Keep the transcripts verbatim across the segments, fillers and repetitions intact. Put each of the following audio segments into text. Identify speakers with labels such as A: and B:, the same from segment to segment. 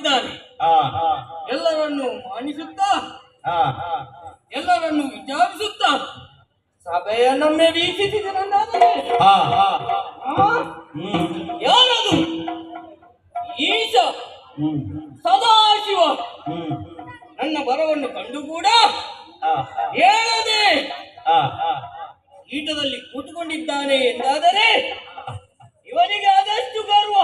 A: ಮಾಡಿದ್ದಾನೆ. ಎಲ್ಲರನ್ನು ಮಾನಿಸುತ್ತಾ ಎಲ್ಲರನ್ನು ವಿಚಾರಿಸುತ್ತಾ ಸಭೆಯನ್ನೊಮ್ಮೆ ವೀಕ್ಷಿಸಿದನಂದಾದರೆ ಯಾರದು? ಈಶ ಸದಾಶಿವ ನನ್ನ ಬರವನ್ನು ಕಂಡು ಕೂಡ ಹೇಳದೆ ಈಟದಲ್ಲಿ ಕೂತುಕೊಂಡಿದ್ದಾನೆ ಎಂದಾದರೆ ಇವನಿಗೆ ಅದೆಷ್ಟು ಗರ್ವ.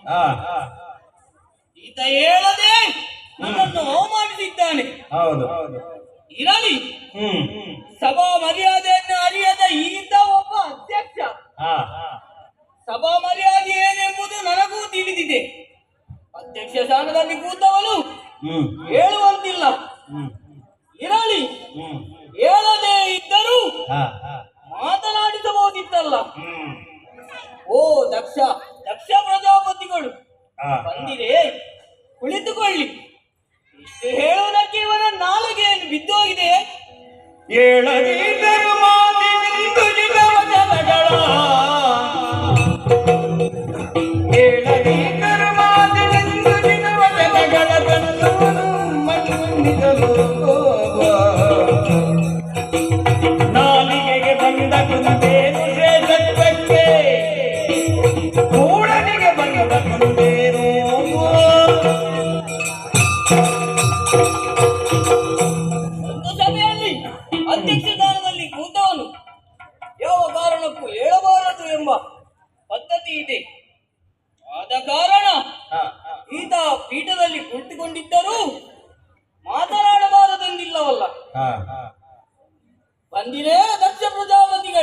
A: ಈತ ಹೇಳದೆ ನನ್ನನ್ನು ಅವಮಾನಿಸಿದ್ದಾನೆ. ಇರಲಿ, ಸಭಾ ಮರ್ಯಾದೆಯನ್ನು ಅರಿಯದ ಈತ ಒಬ್ಬ ಅಧ್ಯಕ್ಷ. ಸಭಾ ಮರ್ಯಾದೆ ಏನೆಂಬುದು ನನಗೂ ತಿಳಿದಿದೆ. ಅಧ್ಯಕ್ಷ ಸ್ಥಾನದಲ್ಲಿ ಕೂತವನು ಹೇಳುವಂತಿಲ್ಲ. ಇರಲಿ, ಹೇಳದೇ ಇದ್ದರೂ ಮಾತನಾಡಿಸಬಹುದಿತ್ತಲ್ಲ. ಓ ದಕ್ಷ ದಕ್ಷ ಪ್ರಜಾಪತಿಗಳು ಬಂದಿರೆ, ಕುಳಿತುಕೊಳ್ಳಿ. ಇಷ್ಟು ಹೇಳುವುದಕ್ಕೆ ಇವನ ನಾಲಿಗೆಯನ್ನು ಬಿದ್ದೋಗಿದೆ.
B: ನಾಲಿಗೆಗೆ ಬಂದ ಕುಂದೇನು ಶ್ರೇಷ್ಠಕ್ಕೆ ಕೂಡನಿಗೆ ಬಂದ ಕುಂದೇನು.
A: ಒಂದು ಸಭೆಯಲ್ಲಿ ಅಧ್ಯಕ್ಷ ಸ್ಥಾನದಲ್ಲಿ ಕೂತವನು ಯಾವ ಕಾರಣಕ್ಕೂ ಹೇಳಬಾರದು ಎಂಬ ಪದ್ಧತಿ ಇದೆ. ಆದ ಕಾರಣ ಈತ ಪೀಠದಲ್ಲಿ ಕುಳಿತುಕೊಂಡಿದ್ದರೂ ಮಾತನಾಡಬಾರದೆಂದಿಲ್ಲವಲ್ಲ. ಬಂದಿರೇ,